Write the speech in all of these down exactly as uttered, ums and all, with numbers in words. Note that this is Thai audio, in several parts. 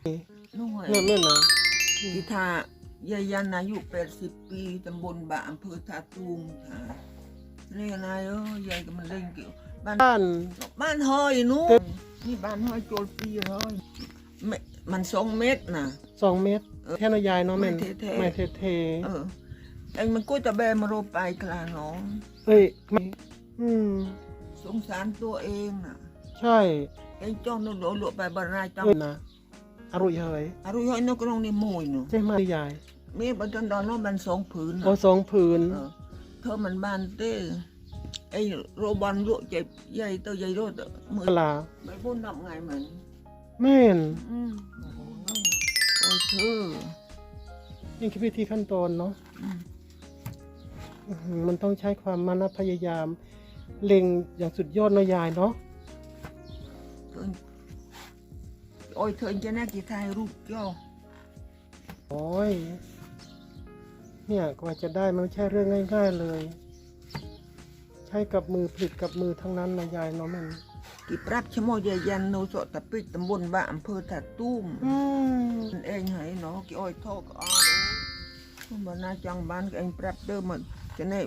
นู่นไงเนี่ยแม่นะกีทายายยันอายุแปดสิบปีตำบลบะอำเภอท่าตูมค่ะนี่นายเอ้ยยายก็มันเล่นเกี่ยวบ้านบ้านบ้านห้อยนู้นนี่บ้านห้อยโจลปีเลยไม่มันสองเมตรนะสองเมตรแท่นยายเนาะแม่นไม่เท่ๆไม่เทเออไอ้มันก็จะแบมาโรไปกลาน้องๆเอ้ยไม่อืมสงสารตัวเองน่ะใช่ไอ้จ้องนู่นโดนลวกไปบรรายจังเอ้ยนะอร่อยเฮยอารุยห้อยนกกระรองนี่มวยเนาะใช่ไหมยายมีบันทันดอนน้องบันสองผืนโอ้สองผืนเออเธอมันบ้านเต้ไอ้โรบอนลวกเจ็บใหญ่ตัวใหญ่รถมือปลาไม่พูดนับไงเหมือนแม่นอืมโอ้ยเธอนี่คือวิธีขั้นตอนเนาะอืมอื้อหือมันต้องใช้ความมานะพยายาม เล็งอย่างสุดยอดนะยายเนาะเธอโอ้ยเธอจะน่ากี่ทายรูปเจ้าโอ้ยเนี่ยกว่าจะได้มันไม่ใช่เรื่องง่ายๆเลย ใช้กับมือผลิตกับมือทั้งนั้นนะยายเนาะแม่นกี่ปรับชะโมยยันโนสตะปิดตำบลบ้านอำเภอถาตุ้มอืมมันเองให้เนาะกี่อ้อยทอกอ้อรู้มันน่าจังบ้านก็เองปรับเดิมมันจะเนี่ย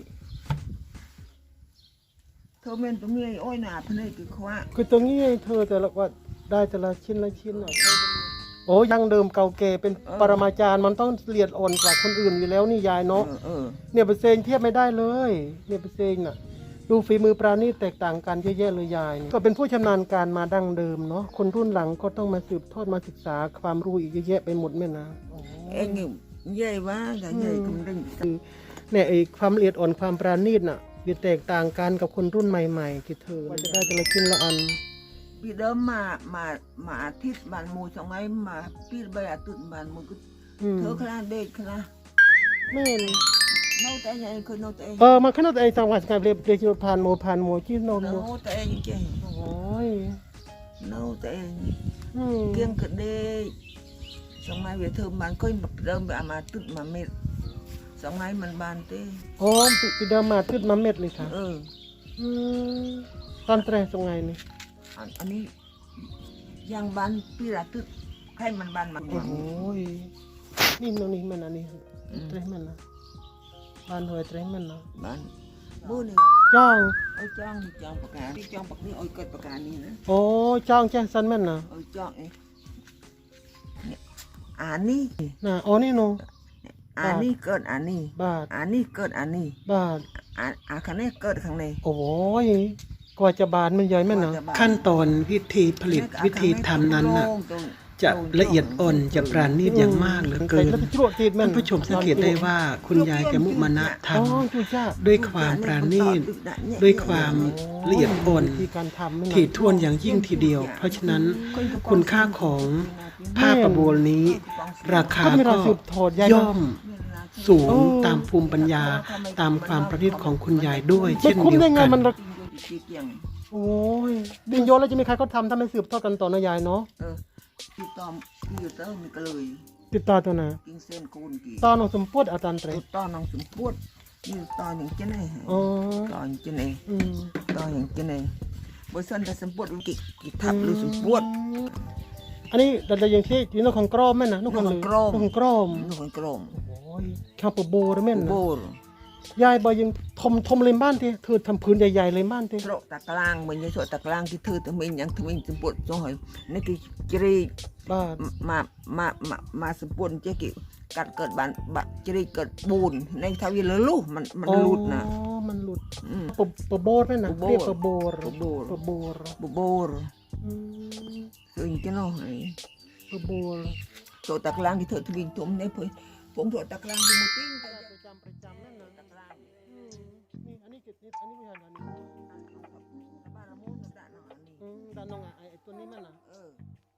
เธอเมนตัวเมียอ้อยหนาพนัยกี่คว้าคือตรงนี้เธอแต่ละว่าได้แต่ละชิ้นละชิ้นอ่ะโอ้ยังเดิมเก่าแก่เป็นปรมาจารย์มันต้องละเอียดอ่อนกว่าคนอื่นอยู่แล้วนี่ยายเอเนาะอเออเนี่ยเปอร์เซ็นต์เทียบไม่ได้เลยเนี่ยเปอร์เซ็นต์น่ะดูฝีมือปราณีตแตกต่างกันเยอะแยะเลยยายนี่ก็เป็นผู้ชำนาญการมาดั้งเดิมเนาะคนรุ่นหลังก็ต้องมาสืบทอดมาศึกษาความรู้อีกเยอะแยะไปหมดแม่นะโอ้เองนี่ใหญ่ว่าแต่ใหญ่กำลังคือเนี่ยไอ้ความละเอียดอ่อนความปราณีตน่ะมันแตกต่างกันกับคนรุ่นใหม่ๆที่เธอว่าจะได้แต่ละชิ้นละอันปีเดิมมามามาอาทิตย์บานมูสองไงมาปีใบอาทิตย์บานมูก็อืมเธอคลาเด็กคลาแม่นโน้ตแต่ยังเคยโน้ตแต่เออมาขนาดไอ้จังหวัดการเรียบเรียกผ่านโมผ่านโมที่โนโมโน้ตแต่ยังเจ๋งโอ้ยโน้ตแต่อืมเกี่ยงกระเด็กสองไงเวทเธอบานเคยเดิมแบบมาตึกมาเม็ดสองไงมันบานเต้โอ้ปีปีเดิมมาขึ้นมาเม็ดเลยค่ะเอออืมตอนแตรตรงไงนี่อันอันนี้ยังบานปีละตึกให้มันบานมันโอ้โหยนี่ตรงนี้มันอันนี้เตรมันนะบ้านหอยเตรมันนะบานบูนี่จ้องเอาจ้องจ้องปากกาที่จ้องปากนี้เอาเกิดปากกานี่นะโอ้จ้องแจ้งสันแม่นนะเอาจ้องเองเนี่ยอันนี้น่ะอ๋อนี่โนอันนี้เกิดอันนี้บาทอันนี้เกิดอันนี้บาทอันอันข้างนี้เกิดข้างในโอ้ยกว่าจะบานมันใหญ่แม่นนะกว่าจะบานขั้นตอนวิธีผลิตวิธีทำนั้นน่ะ จะละเอียดอ่อนจะปราณีตอย่างมากเหลือเกินแล้วไปจวดติดแม่นท่านผู้ชมสังเกตได้ว่าคุณยายแกมุมานะทอ๋อจุจ้าำด้วยความปราณีตด้วยความละเอียดอ่อนวิธีการทำนั่นน่ะถี่ถ้วนอย่างยิ่งทีเดียว เพราะฉะนั้นคุณค่าของผ้าประโบลนี้ ราคาก็มีก็ราสืบทอดยายย่อเนาะมสูงโอ้ตามภูมิปัญญาตามความประณีตของคุณยายด้วยไม่เช่นคุ้มเดียวได้ไงกันมันราเกี่ยงโอ้ยดินโยนแล้วจะมีใครเขาทำถ้าไม่สืบทอดกันต่อนะยายเนาะเออที่ตอมที่อยู่เต้ามันก็เลยติดต่อตัวน่ะกินเส้นกูนกี่ตอนของสมโพธิอาจารย์เตรตัวต่อน้องสมปวดนี่ต่ออย่างเจนี่อ๋อต่ออย่างเจนี่อืมต่ออย่างเจนี่บริษัทแต่สมปวดกี่กี่ทับหรือสมปวดอันนี้แต่ละอย่างที่ที่นกของกรอมแม่นนะนกของนกของกรอมนกของกรอมนกคนกลมโอ้ยข้าวปลาโบหรือแม่นโบนะรยายบอยยังทมทมเลยบ้านทีเธอทำพื้นใหญ่ๆเลยบ้านทีโตตะกลางเหมือนจะโตตะกลางที่เธอทำเองอย่างทำเองสมปวดจ้อยนี่คือจรีบ้านมามามามาสมปวดเจ๊กิกัดเกิดบานบะจรีเกิดบูนในทวีละลูกมันมันหลุดนะอ๋อมันหลุดอืมปะปะโบดแม่นนะปะโบดเรียกปะโบดปะโบดปะโบดบุโบรอืมคืออย่างเจ้าน้อยปะโบดโตตะกลางที่เธอทวีทมเนี่ยเพื่อผมโตตะกลางที่มุติ้งประจำประจำนั่นนะอืมนี่อันนี้เกิดนี่อันนี้ไม่ใช่อันนี้บ้านละมุนด่านนนี่อืมด้านน้องอ่ะไอ้ตัวนี้มันนะเออ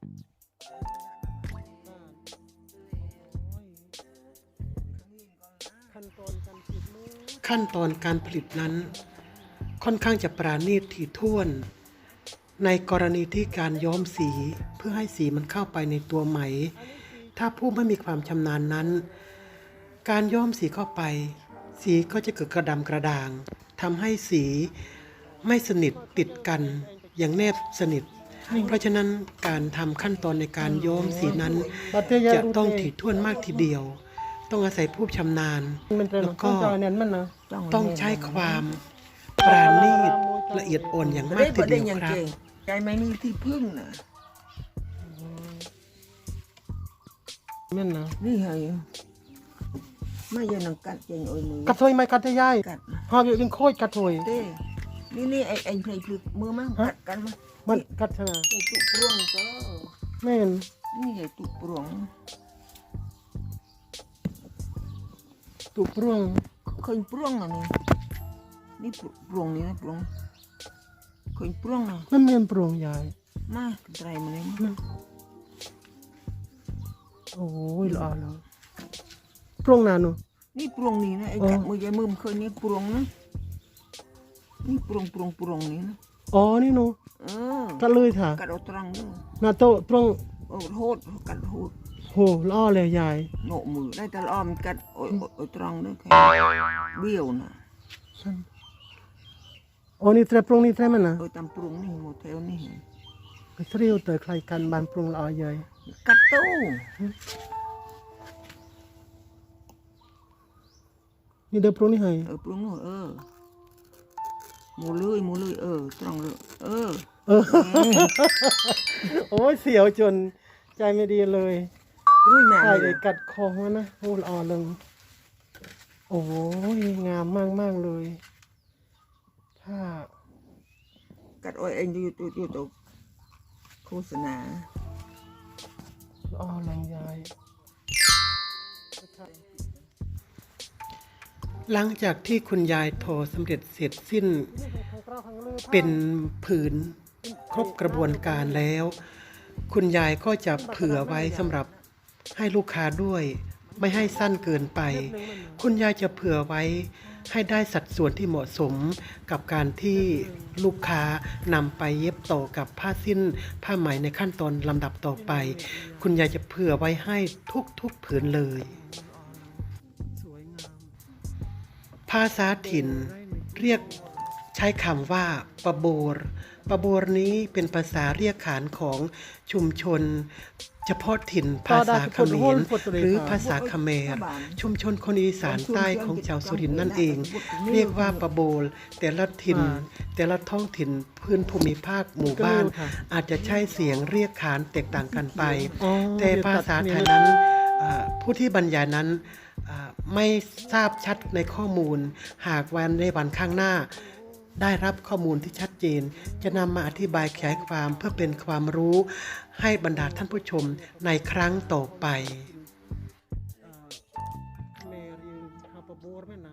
บ้านโอ้ยขั้นตอนการผลิตมือขั้นตอนการผลิตนั้น ค่อนข้างจะปราณีตถี่ถ้วน ในกรณีที่การย้อมสีเพื่อให้สีมันเข้าไปในตัวไหม ถ้าผู้ไม่มีความชำนาญนั้น การย้อมสีเข้าไป สีก็จะเกิดกระดำกระด่างทำให้สีไม่สนิทติดกันอย่างแนบสนิทเพราะฉะนั้นการทำขั้นตอนในการย้อมสีนั้นบัดเตยาจะรูต้องเตถี่ถ้วนมากทีเดียว ต้องอาศัยผู้ชำนาญมันเป็นแล้วก็ก็เนี่ยมันนะต้องใช้ความปราณีตละเอียดอ่อนอย่างมากทีเดียวครับใจไม่มีที่พึ่งนะมันนะนี่ไงไม่ยังนังกัดเจงโอ้ยมือกัดถอยไหมกัดจะย่ายกัดหอบอยู่ยังโคตรกัดถอยเต้นี่นี่ไอ้ไอ้เพลย์พลึกมือมั้งกัดกันมั้งมันกัดชนะไอ้ตุกปรวงก็แม่นนี่ไอ้ตุกปรวงตุกปร่วงเคยปรวงอ่ะนี่นี่ปรวงนี่นะปรวงเคยปรวงอ่ะมันเมียนปร่วงยายมาไตรมาเลยโอ้ยละละปร่วงนานหนูนี่ปรวงนี่นะไอ้กัดมือใหญ่มือมันเคยนี่ปรวงนะนี่ปรวงปรวงปรวงนี่นะอ๋อนี่หนูเออกัดเลยค่ะกัดเอาตรังด้วยนาโตปร่วงโอ้โหดกัดโหดโหล่อเลยยายโหนมือได้แต่ละอ้อมกัดโอ้ยโอ้ยตรังด้วยแค่เบี้ยวนะอ๋อนี่แตรปร่วงนี่แตรมันนะโอ้ยตำปรุงนี่โมเทลนี่ไปเที่ยวเตอใครกันบานปรุงละออยายกัดตู้นี่เดินปรุงนี่ให้เออปรุงนู่นเออหมูเลยหมูเลยเออตรังเลยเออเออ โอ้ยเสียวจนใจไม่ดีเลยรุ่ยแม่ใช่เลเลย ยกัดคอมันนะโอ้ละออเลยโอ้ยงามมากมากๆเลย ถ้ากัดโอ้ยเองอยู่ตัวอยู่ตัวโฆษณาละออลังยายหลังจากที่คุณยายโทรสำเร็จเสร็จสิ้นเป็นผืนครบกระบวนการแล้ว คุณยายก็จะเผื่อไว้สำหรับให้ลูกค้าด้วย ไม่ให้สั้นเกินไป คุณยายจะเผื่อไว้ให้ได้สัดส่วนที่เหมาะสมกับการที่ลูกค้านำไปเย็บต่อกับผ้าสิ้นผ้าไหมในขั้นตอนลำดับต่อไป คุณยายจะเผื่อไว้ให้ทุกๆผืนเลยสวยงามภาษาถิ่นเรียกใช้คำว่าปะโบรปะโบรนี้เป็นภาษาเรียกขานของชุมชน เฉพาะถิ่นภาษาเขมรหรือภาษาเขมรชุมชนคนอีสานใต้ของชาวสุรินทร์นั่นเอง เรียกว่าปะโบรแต่ละถิ่นแต่ละท้องถิ่นพื้นภูมิภาคหมู่บ้าน อาจจะใช้เสียงเรียกขานแตกต่างกันไปอ๋อแต่ภาษาไทยนั้นอ่าผู้ที่บรรยายนั้นอ่าไม่ทราบชัดในข้อมูล หากวันในวันข้างหน้า ได้รับข้อมูลที่ชัดเจน จะนำมาอธิบายขยายความเพื่อเป็นความรู้ให้บรรดาท่านผู้ชมในครั้งต่อไปเมรีฮาปะโบรแม่นะ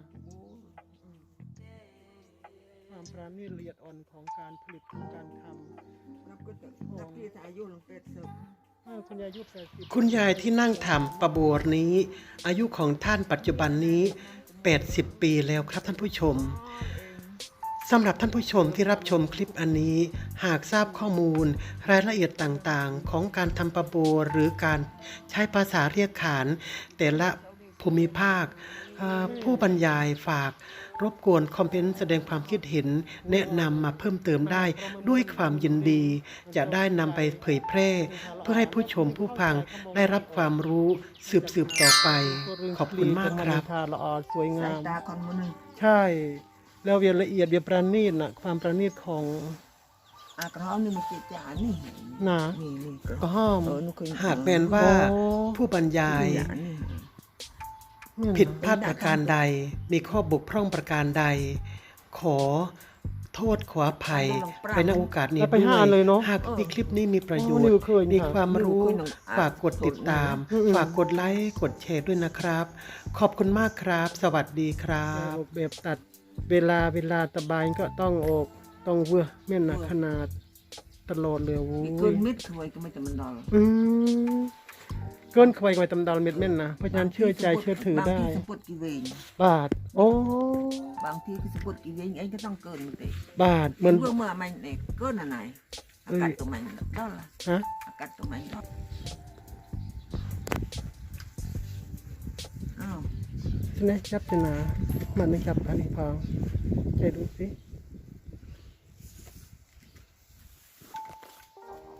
ความปราณีตละเอียดอ่อนของการผลิตของการทำนับก็จะนับที่อายุลงเป็ดเสริมอ้าวคุณยายอายุแปดสิบคุณยายที่นั่งทำประโบรนี้ อายุของท่านปัจจุบันนี้ แปดสิบ ปีแล้วครับท่านผู้ชมสำหรับท่านผู้ชมที่รับชมคลิปอันนี้ หากทราบข้อมูลรายละเอียดต่างๆ ของการทำประโบรหรือการใช้ภาษาเรียกขาน แต่ละภูมิภาคอ่าผู้บรรยายฝากรบกวนคอมเมนต์แสดงความคิดเห็น แนะนำมาเพิ่มเติมได้ด้วยความยินดี จะได้นำไปเผยแพร่ เพื่อให้ผู้ชมผู้ฟังได้รับความรู้สืบสืบต่อไป ขอบคุณมากครับทาละออสวยสางาย มตาคนมันนึงใช่ แล้วเวียนละเอียดเวียนประณีตน่ะความประณีตของอากระห้องนี่มันเจ็ดจานนี่หนานี่นี่กระก็ห้อมเออนุเคยหากแม้นว่าโอ้ผู้บรรยายนี่นี่ผิดพลาดประการใด มีข้อบกพร่องประการใด ขอโทษขออภัยไปณโอกาสนี้แล้วไปด้วหาย เลยเนาะหากมีคลิปนี้มีประโยชโอ้นิน์วเคยนี่มีค่ะความรู้นิวเคยหนึ่งฝากกดติดตามอืมฝากกดไลค์กดแชร์ด้วยนะครับ ขอบคุณมากครับ สวัสดีครับแบบตัดเวลาเวลาตะบายก็ต้องออกต้องเวอแม่นหนักขนาดตลอดเลยโว้มีเกิยนมิดถวยก็ไม่จะมันดอลอืมเกินควายกว่าตำดาวเม็ดแม่นนะเพราะฉะนั้นเชื่อใจเชื่อถือได้บางที่สะพุดกี่เวงบาท โอ้บางที่สะพุดกี่เวงไอ้ก็ต้องเกินมันเตะบาทเหมือนเมื่อเมื่อมันเด็กเกินอะไรอากาศตรงไหนđó là ฮะอากาศตรงไหนđó อ้าวใช่ไหมจับชนะมันไม่จับอันนี้พองใจดูสิ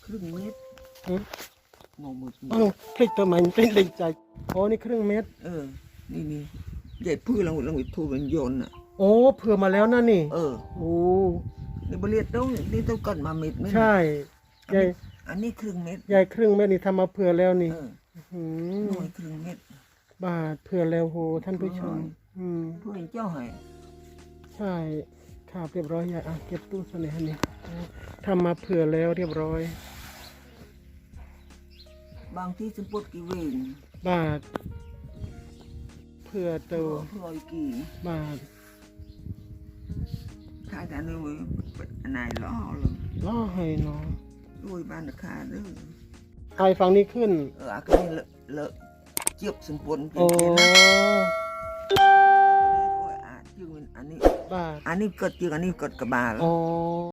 ครึ่งเม็ดหืมงงหมดอ้าวพลิกทำไมมันเป็นเด็กใจโอ้นี่ครึ่งเม็ดเออ นี่นี่ใหญ่พื้นเราเราไปทูเป็นโยนอ่ะโอ้เผื่อมาแล้วนะนี่เออโอ้นี่บริเวณต้องนี่ต้องกันมาเม็ดไหมใช่ยายอันนี้ครึ่งเม็ดยายครึ่งเม็ดนี่ทำมาเผื่อแล้วนี่เออหืมหน่วยครึ่งเม็ดบาทเผื่อแล้วโหท่านผู้ชม อืมเพื่อนเจ้าให้ใช่ครับเรียบร้อยยายอ่ะเก็บตู้เสน่ห์นี่ทำมาเผื่อแล้วเรียบร้อยบางที่สมปดกี่เวงบาทเผื่อเตัวพลอยกี่บาทขายแต่เนื้อเป็นอันไหนล้อเลยล่อให้เนาะด้วยบ้านราคาเด้อไอฝั่งนี้ขึ้นเอออันนี้เลอะเลอะเจียบสมปนเป็นโอ้เจนนะอันนี้จึงอันนี้บาทอันนี้เกิดจึงอันนี้เกิดกระบาลโอ้